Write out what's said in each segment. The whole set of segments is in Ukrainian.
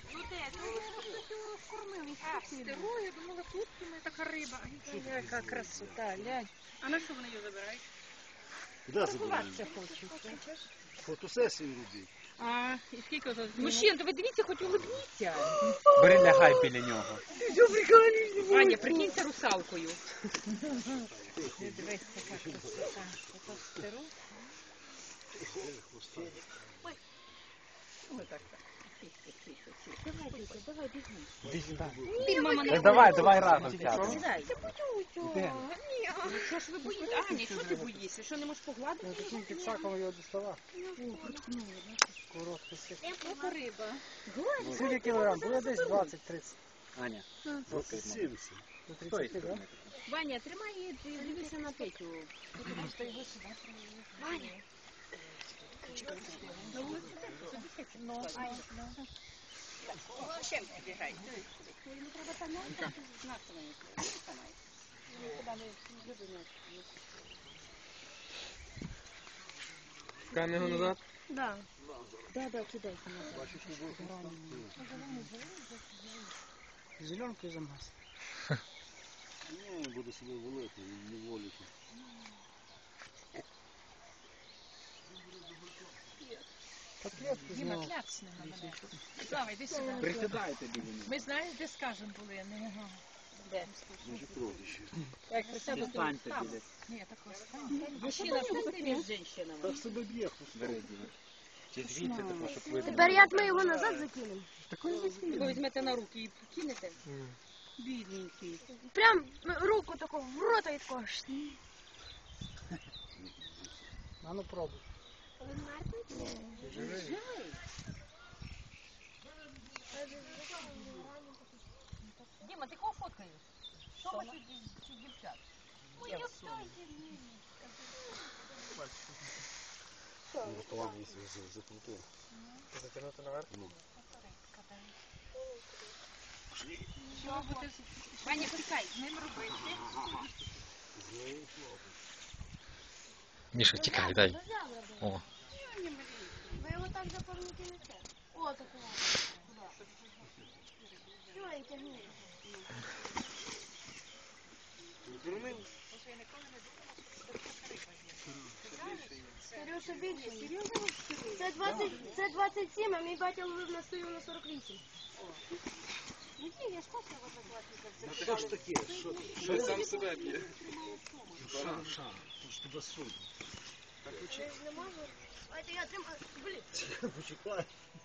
Ну де? Його скормили. А, стеру, я думала, тут у мене така риба. Яка красота, глянь. А на що вони її забирають? Куди забирають? Це хочу. Фотосесію робити. А, і скільки ото? Мужчин, то ви дивіться, хоч улыбніться. Бери, лягай біля нього. Ваня, прикинься русалкою. Дивись, така красота. Ото стеру. Ой, так. Давай, бігом. Іди сюди. Ні, мама, не Давай разом сядемо. Сідай. Де? Ну, що ж ви боїтеся? Аня, що ти боїшся? Що не можеш погладити? Таким підсаком його діставав. Коротко сик. Яка риба? Скільки кілограм? Було десь 20-30. Аня. 70. До 30, да? Ваня, тримай її, ти дивися на Петю. Ваня. Чим ти бігаєш? Пускаємо його назад. Да, кидайте назад. Зеленкою замаз. Ні, буду себе волити, не волити. Діма, кляцни на мене. Слава, йди сюди. Присідайте біля нього. Ми знаєш, де скажем були, не могла. Може продажі. Як присяду, то Станьте там. біля. Ні, такого стань. Мужчина, що ти між жінками? Так себе б'є. Бери, Діма. Чи звідси тако, щоб видно. Тепер як ми його назад закинемо? Ви візьмете на руки і кинете? Бідненький. Прям руку таку в рота і тако. А ну пробуй. Діма, ти кого фоткаєш? Що ми чи дівчат? Рятування закрутив. Затягнути наверх? Ваня, пускай, з ним робити. Міша, тікай, дай. О. Ви його так запомните. О, такого. Що, і тягни. Сережа більше. Це 27, а мій батя ловив на стою на 48. Ну ні, я ж просто його за 20. Що ж таке? Що сам себе б'є? Шар. То ж тебе судно. Я ж не можу. А це я тримаю. Блін. Почекай.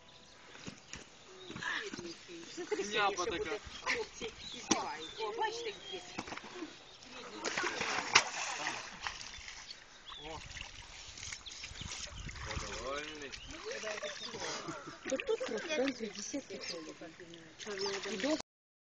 Няпа така. Хлопці і здівають. О, бачите, є. Довольний. Тут процент 50 кілограмів.